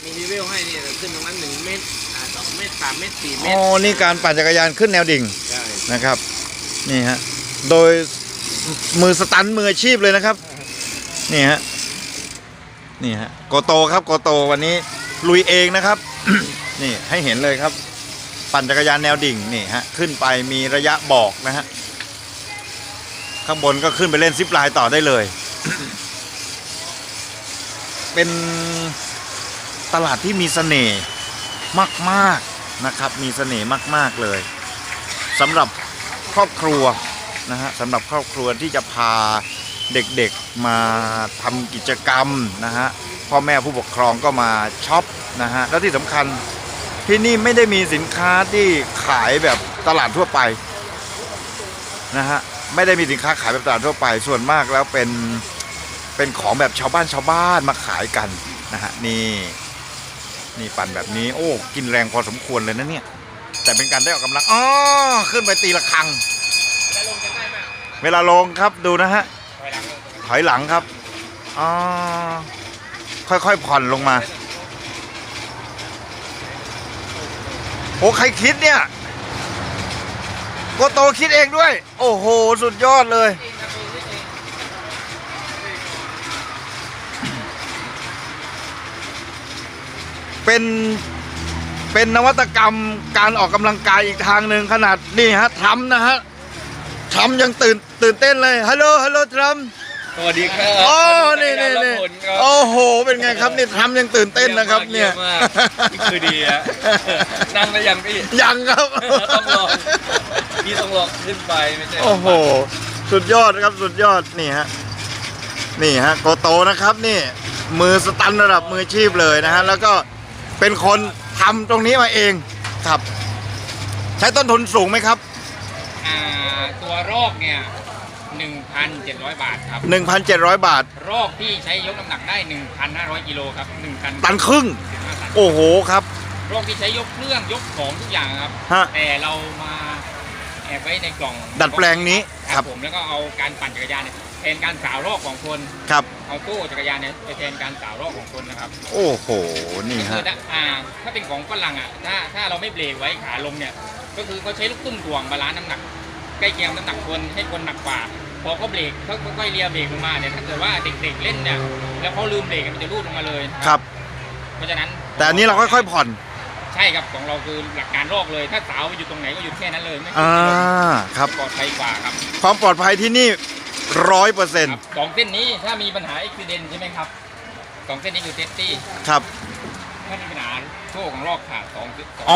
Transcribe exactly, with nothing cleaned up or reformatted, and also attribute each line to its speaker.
Speaker 1: มีรีวิวให้นี่ขึ้นตรงนั้นหนึ่งเมตรอ่าสองเมตรสามเมตรสี่เมตร
Speaker 2: อ๋อนี่การปั่นจักรยานขึ้นแนวดิ่ง
Speaker 1: ใช่
Speaker 2: นะครับนี่ฮะโดยมือสตันมืออาชีพเลยนะครับนี่ฮะนี่ฮะโกโตครับโกโตวันนี้ลุยเองนะครับ นี่ให้เห็นเลยครับปั่นจักรยานแนวดิ่งนี่ฮะขึ้นไปมีระยะบอกนะฮะข้างบนก็ขึ้นไปเล่นซิปไลน์ต่อได้เลย เป็นตลาดที่มีเสน่ห์มากๆนะครับมีเสน่ห์มากๆเลยสำหรับครอบครัวนะฮะสำหรับครอบครัวที่จะพาเด็กๆมาทำกิจกรรมนะฮะพ่อแม่ผู้ปกครองก็มาช็อปนะฮะแล้วที่สำคัญที่นี่ไม่ได้มีสินค้าที่ขายแบบตลาดทั่วไปนะฮะไม่ได้มีสินค้าขายแบบตลาดทั่วไปส่วนมากแล้วเป็นเป็นของแบบชาวบ้านชาวบ้านมาขายกันนะฮะนี่นี่ปั่นแบบนี้โอ้กินแรงพอสมควรเลยนะเนี่ยแต่เป็นการได้ออกกำลังอ๋อขึ้นไปตีระฆังเวลาลงครับดูนะฮะถอยหลังครับอ๋อค่อยๆผ่อนลงมาโอ้ใครคิดเนี่ยโกโตคิดเองด้วยโอ้โหสุดยอดเลยเป็นเป็นนวัตกรรมการออกกำลังกายอีกทางหนึ่งขนาดนี่ฮะทำนะฮะทำยังตื่นตื่นเต้นเลยฮัลโหลฮัลโหลทรัม
Speaker 3: สวัสดีครับ
Speaker 2: โอ้นี่นี่นี่โอ้โหเป็นไงครับนี่ทำยังตื่นเต้นนะครับเนี่ย
Speaker 3: นี่คือดีฮะนั่งได้ยังพี่
Speaker 2: ยังครับ
Speaker 3: ต้องลองพี่ต้องลองขึ้นไปไม่ใช่
Speaker 2: โอ้โหสุดยอดครับสุดยอดนี่ฮะนี่ฮะโกโตนะครับนี่มือสตันระดับมืออาชีพเลยนะฮะแล้วก็เป็นคนทำตรงนี้มาเองครับใช้ต้นทุนสูงไหมครับ
Speaker 4: อ่าตัวรอกเนี่ย หนึ่งพันเจ็ดร้อย บาทครับ
Speaker 2: หนึ่งพันเจ็ดร้อย บาท
Speaker 4: รอกที่ใช้ยกน้ำหนักได้ หนึ่งพันห้าร้อย กิโลครับหนึ่งพัน
Speaker 2: ตันครึ่งโอ้โหครับ
Speaker 4: รอกที่ใช้ยกเครื่องยกของทุกอย่างครับ
Speaker 2: ฮะ
Speaker 4: แต่เรามาแอบไว้ในกล่อง
Speaker 2: ดัดแปลงนี้
Speaker 4: ค
Speaker 2: ครั
Speaker 4: รับบ ผมแล้วก็เอาการปั่นจักรยานเนี่ยแทนการสาวรอกของคน
Speaker 2: ครับ
Speaker 4: เอาตู้จักรยานเนี่ยไปแทนการสาวรอกของคนนะครับ
Speaker 2: โอ้โหนี่
Speaker 4: คื
Speaker 2: ฮะ
Speaker 4: อถ้าอ่าถ้าเป็นของฝรั่งอ่ะถ้าถ้าเราไม่เบรกไว้ขาลงเนี่ยก็คือเขาใช้ลูกตุ้มถ่วงบาลานซ์น้ำหนักใกล้เคียงน้ำหนักคนให้คนหนักกว่าพอเขาเบรกเขาค่อยๆเลียเบรกลงมาเนี่ยถ้าเกิดว่าเด็กๆเล่นเนี่ยแล้วเขาลืมเบรกมันจะรูดลงมาเลย
Speaker 2: ครับ
Speaker 4: เพราะฉะนั้น
Speaker 2: แต่อันนี้เราค่อยๆผ่อน
Speaker 4: ใช่ครับของเราคือหลักการโลกเลย ถ้าสาวอยู่ตรงไหนก็หยุดแค่นั้นเลยไม่
Speaker 2: อ่า
Speaker 4: ขึ้นไม่ลง
Speaker 2: ครับ
Speaker 4: ปลอดภัยกว่าครับ
Speaker 2: ความปลอดภัยที่นี่ร้อยเปอร์เซ็น
Speaker 4: ค
Speaker 2: ต์
Speaker 4: รับสองเส้นนี้ถ้ามีปัญหาอุบิเหตุใช่ไหมครับสองเส้นนี้คือเซฟตี้
Speaker 2: ครับ
Speaker 4: ถ้ามีปัญหาโซ่ของลอกขาดสองสอง